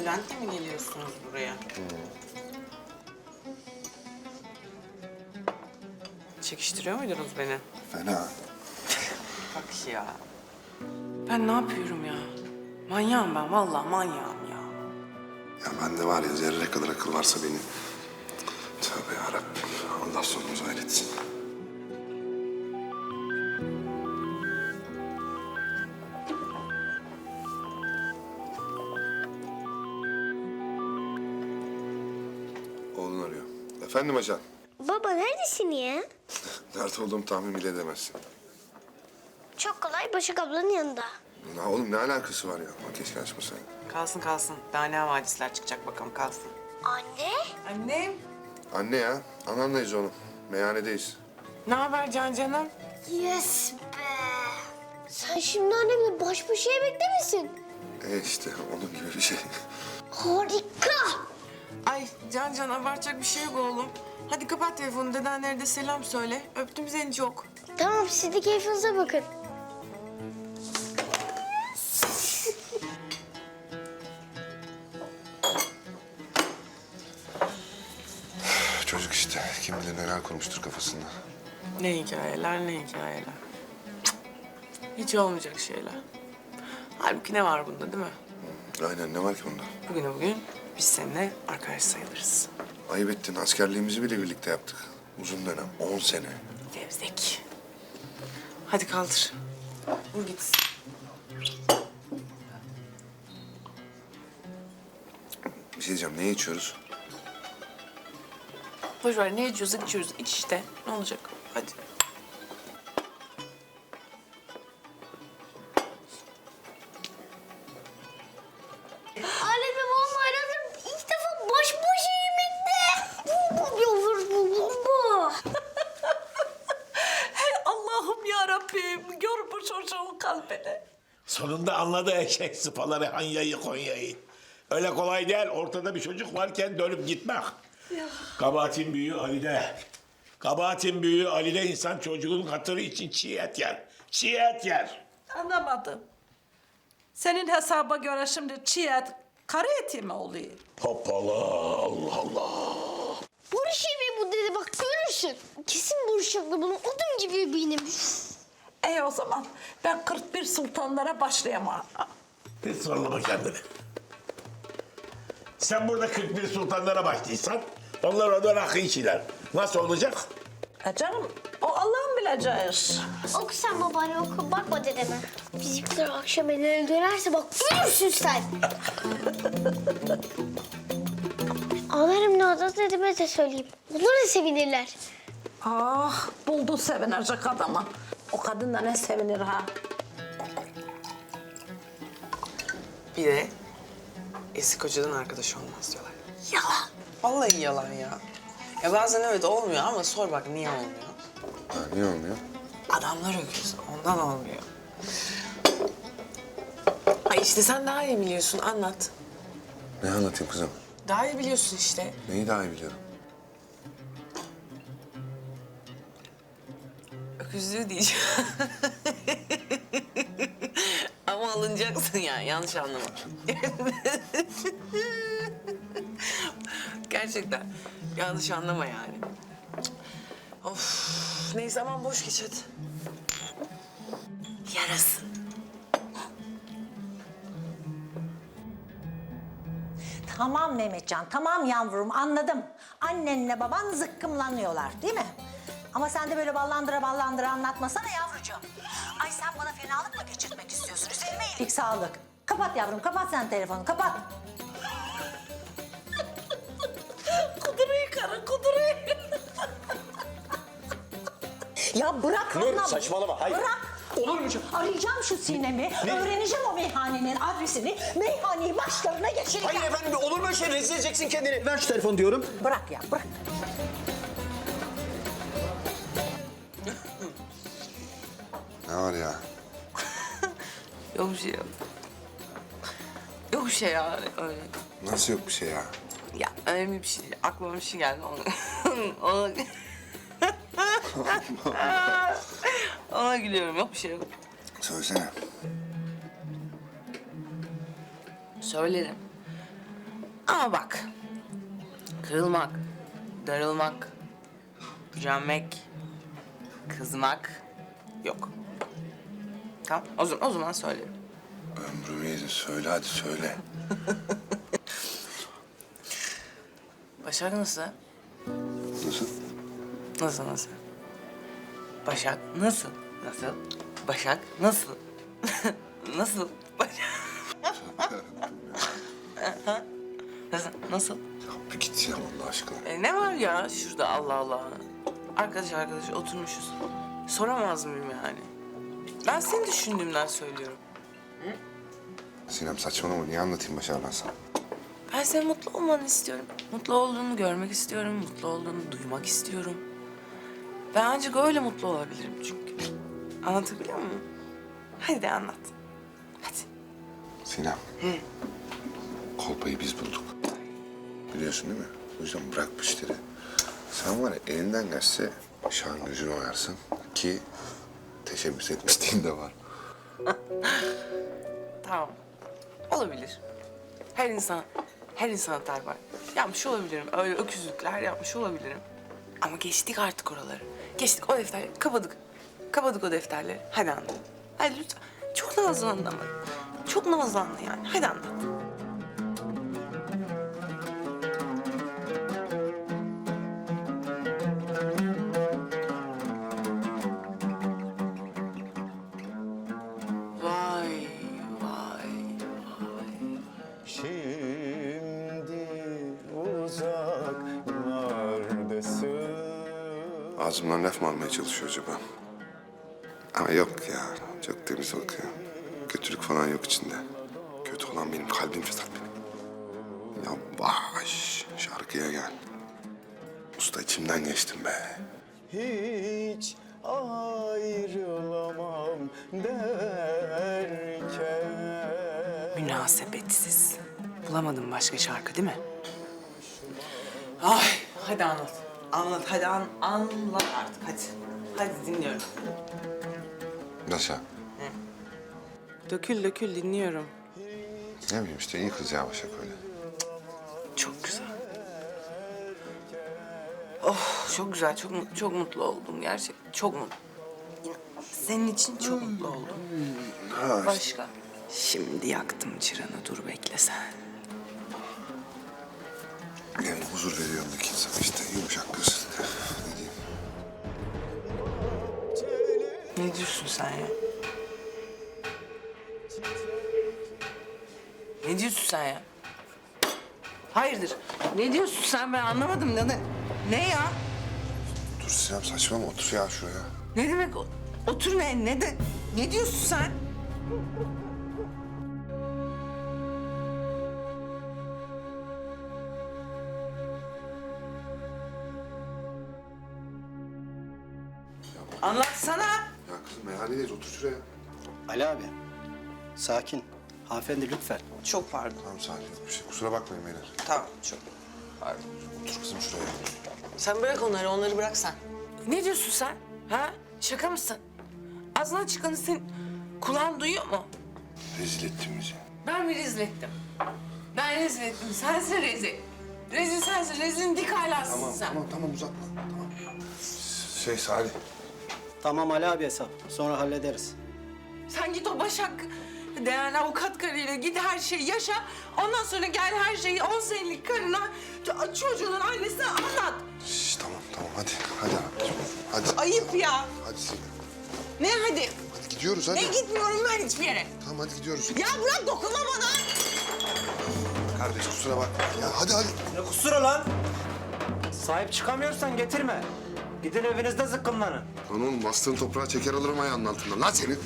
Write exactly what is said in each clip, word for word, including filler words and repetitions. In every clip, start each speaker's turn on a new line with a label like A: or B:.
A: Bülent'le mi geliyorsunuz buraya? Çekiştiriyor muydunuz beni?
B: Fena.
A: Bak ya. Ben ne yapıyorum ya? Manyağım ben, vallahi manyağım ya.
B: Ya bende var ya zerre kadar akıl varsa benim. Tövbe yarabbim. Allah sonumuzu hayretsin. Oğlun arıyor. Efendim ajan.
C: Baba neredesin ya?
B: Nerede olduğumu tahmin bile edemezsin.
C: Çok kolay Başak ablanın yanında.
B: Ya oğlum ne alakası var ya? Bak keşke açmasaydın.
A: Kalsın kalsın. Daha ne havadisler çıkacak bakalım, kalsın.
C: Anne?
A: Annem.
B: Anne ya. Anamlayız oğlum. Meyhanedeyiz.
A: Ne haber Can canım?
C: Yes be. Sen şimdi annemle baş başa yemekte misin?
B: E işte onun gibi bir şey.
C: Harika.
A: Ay Can Can abartacak bir şey yok oğlum. Hadi kapat telefonu, dedenlere de selam söyle. Öptüm seni çok.
C: Tamam siz de keyfinize bakın.
B: Çocuk işte. Kim bilir neler kurmuştur kafasında.
A: Ne hikayeler, ne hikayeler. Cık. Hiç olmayacak şeyler. Halbuki ne var bunda değil mi?
B: Aynen ne var ki bunda?
A: Bugüne bugün biz seninle arkadaş sayılırız.
B: Ayıp ettin. Askerliğimizi bile birlikte yaptık. Uzun dönem. On sene.
A: Gevzek. Hadi kaldır. Vur gitsin.
B: Bir şey diyeceğim. Ne içiyoruz?
A: Boş ver, ne içiyorsak içiyoruz. İç işte. Ne olacak? Hadi.
C: Annemle babam aradım. İlk defa baş başa yemekte. Bu bu yavrum bu bu bu.
D: Hey Allah'ım ya Rabbim, gör bu çocuğun kalbini.
E: Sonunda anladı eşek sıpaları Hanya'yı Konya'yı. Öyle kolay değil. Ortada bir çocuk varken dönüp gitmek. Kabahatin büyüğü Ali'de. Kabahatin büyüğü Ali'de insan çocuğun hatırı için çiğ et yer. Çiğ et yer.
D: Anlamadım. Senin hesaba göre şimdi çiğ et, karı eti mi oluyor?
E: Hoppala Allah Allah.
C: Barış yemeği bu dedi bak görürsün. Kesin Barış haklı bunun odun gibi eminim.
D: İyi o zaman ben kırk bir sultanlara başlayamam.
E: Hiç zorlama kendini. Sen burada kırk bir sultanlara başlıysan onlar oradan akı içiler. Nasıl olacak?
D: E canım o Allah'ın bileceği iş.
C: Oku sen babaanne oku bakma dedeme. Bizimkiler akşam elleri dönerse bak görürsün sen. Ağlarım ne oldu dedeme de söyleyeyim. Onlar da sevinirler.
D: Ah buldu sevinecek adamı. O kadın da ne sevinir ha.
A: Bir de eski kocadan arkadaş olmaz diyorlar.
C: Yalan.
A: Vallahi yalan ya. Ya bazen evet olmuyor ama sor bak niye olmuyor?
B: Ha, niye olmuyor?
A: Adamlar öküz, ondan olmuyor. Ay işte sen daha iyi biliyorsun, anlat.
B: Ne anlatayım kızım?
A: Daha iyi biliyorsun işte.
B: Neyi daha iyi biliyorum?
A: Öküzlüğü diyeceğim. Ama alınacaksın yani, yanlış anlama. Gerçekten yanlış anlama yani. Of, neyse aman boş geç hadi. Yarasın.
F: Tamam Mehmetcan, tamam yavrum anladım. Annenle baban zıkkımlanıyorlar değil mi? Ama sen de böyle ballandıra ballandıra anlatmasana yavrucuğum. Ay sen bana fenalık mı geçirtmek istiyorsun? Üzerime iyilik sağlık. Kapat yavrum, kapat sen telefonu, kapat.
D: Kuduruyu karı kuduruyu.
F: Ya bırak
G: Nur,
F: anam.
G: saçmalama, hayır.
F: Bırak.
G: Olur mu canım?
F: Arayacağım şu Sinem'i, öğreneceğim o meyhanenin adresini, meyhaneyi başlarına geçireceğim.
G: Hayır efendim, olur mu öyle şey? Rezil edeceksin kendini. Ver şu telefonu diyorum.
F: Bırak ya, bırak.
B: Ne var ya?
A: Yok bir şey yok. Yok bir şey ya öyle.
B: Nasıl yok bir şey ya?
A: Ya önemli bir şey. Aklıma bir şey geldi onu. ona... ona gülüyorum. Yok bir şey yok.
B: Söylesene.
A: Söylerim. Ama bak, kırılmak, darılmak, gücenmek, kızmak yok. Tamam, o zaman, o zaman söylerim.
B: Ömrüm iyiydi. Söyle hadi söyle.
A: Başak nasıl?
B: Nasıl?
A: Nasıl nasıl? Başak nasıl? Nasıl? Başak nasıl? Nasıl? Başak. Nasıl? Nasıl?
B: Ya bir git ya Allah aşkına.
A: E, ne var ya şurada Allah Allah. Arkadaş arkadaş oturmuşuz. Soramaz mıyım yani? Ben seni düşündüğümden söylüyorum.
B: Sinem saçmalama. Niye anlatayım Başar ben sana?
A: Ben senin mutlu olmanı istiyorum. Mutlu olduğunu görmek istiyorum. Mutlu olduğunu duymak istiyorum. Ben ancak öyle mutlu olabilirim çünkü. Anlatabiliyor muyum? Hadi de anlat. Hadi.
B: Sinem. Kolpayı biz bulduk. Biliyorsun değil mi? O yüzden bırak bu işleri. Sen var ya elinden gelse şahın gözünü oyarsın ki teşebbüs etmişliğin de var.
A: Tamam. Olabilir. Her insan, her insan hatar var. Yapmış olabilirim. Öyle öküzlükler yapmış olabilirim. Ama geçtik artık oraları. Geçtik o defterleri. Kapadık. Kapadık o defterleri. Hadi anlat. Hadi lütfen. Çok nazlandın ama. Çok nazlandın yani. Hadi anlat. Vay, vay, vay.
H: Şimdi uzaklardasın.
B: Ağzımdan laf mı almaya çalışıyor acaba? Ama yok ya. Çok temiz bakıyor. Kötülük falan yok içinde. Kötü olan benim kalbim fesat benim. Yavaş şarkıya gel. Usta içimden geçtim be.
H: Hiç ayrılamam derken.
A: Münasebetsiz. Bulamadın başka şarkı değil mi? Ay, hadi anlat. Anlat, hadi an, anlat artık, hadi. Hadi dinliyorum.
B: Nasıl?
A: Dökül, dökül, dinliyorum.
B: Ne bileyim işte iyi kız ya Başak öyle.
A: Çok güzel. Oh, çok güzel, çok mut- çok mutlu oldum gerçekten. Çok mutlu. Senin için çok mutlu oldum. Başka? Şimdi yaktım çıranı, dur bekle sen.
B: Yani huzur veriyor öndeki insan işte yumuşak kız. Ne diyeyim?
A: Ne diyorsun sen ya? Ne diyorsun sen ya? Hayırdır? Ne diyorsun sen? Ben anlamadım. Ne, ne ya?
B: Dur Sinem saçmalama otur ya şuraya.
A: Ne demek o? Otur ne? Ne de? Ne diyorsun sen? Anlatsana.
B: Ya kızım meyhanedeyiz otur şuraya.
G: Ali abi. Sakin. Hanımefendi lütfen.
A: Çok pardon.
B: Tamam sakin ol bir şey kusura bakmayın beyler.
A: Tamam, çok pardon.
B: Otur kızım şuraya.
A: Sen bırak onları, onları bırak sen. Ne diyorsun sen? Ha? Şaka mısın? Ağzından çıkanı senin kulağın duyuyor mu?
B: Rezil ettin bizi.
A: Ben mi rezil ettim? Ben rezil ettim. Sensin rezil. Rezil sensin. Rezilin dik alasısın
B: Tamam
A: sen.
B: tamam tamam uzatma. Tamam. Şey Salih.
G: Tamam Ali abi hesap. Sonra hallederiz.
A: Sen git o Başak değerli avukat karıyla git her şeyi yaşa. Ondan sonra gel her şeyi on senelik karına, ç- çocuğunun annesine anlat.
B: Şş, tamam tamam hadi hadi abicim. Hadi.
A: Ayıp ya.
B: Hadi Sinem.
A: Ne hadi?
B: Hadi gidiyoruz hadi.
A: Ne gitmiyorum ben hiçbir yere.
B: Tamam hadi gidiyoruz.
A: Ya bırak dokunma bana.
B: Kardeş kusura bakma. Ya hadi hadi.
I: Ne kusura lan? Sahip çıkamıyorsan getirme. Gidin evinizde zıkkımlanın.
B: Lan oğlum bastığın toprağa çeker alırım ayağının altından. Lan seni.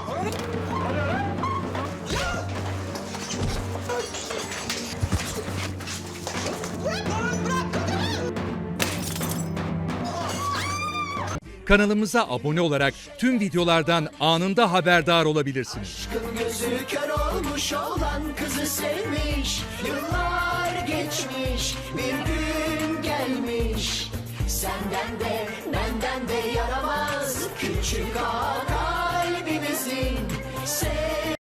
J: Kanalımıza abone olarak tüm videolardan anında haberdar olabilirsiniz.
K: Gözü kör olmuş olan kızı sevmiş. Yıllar geçmiş, bir gün gelmiş. Senden de benden de yaramaz küçük ağa kalbimizin.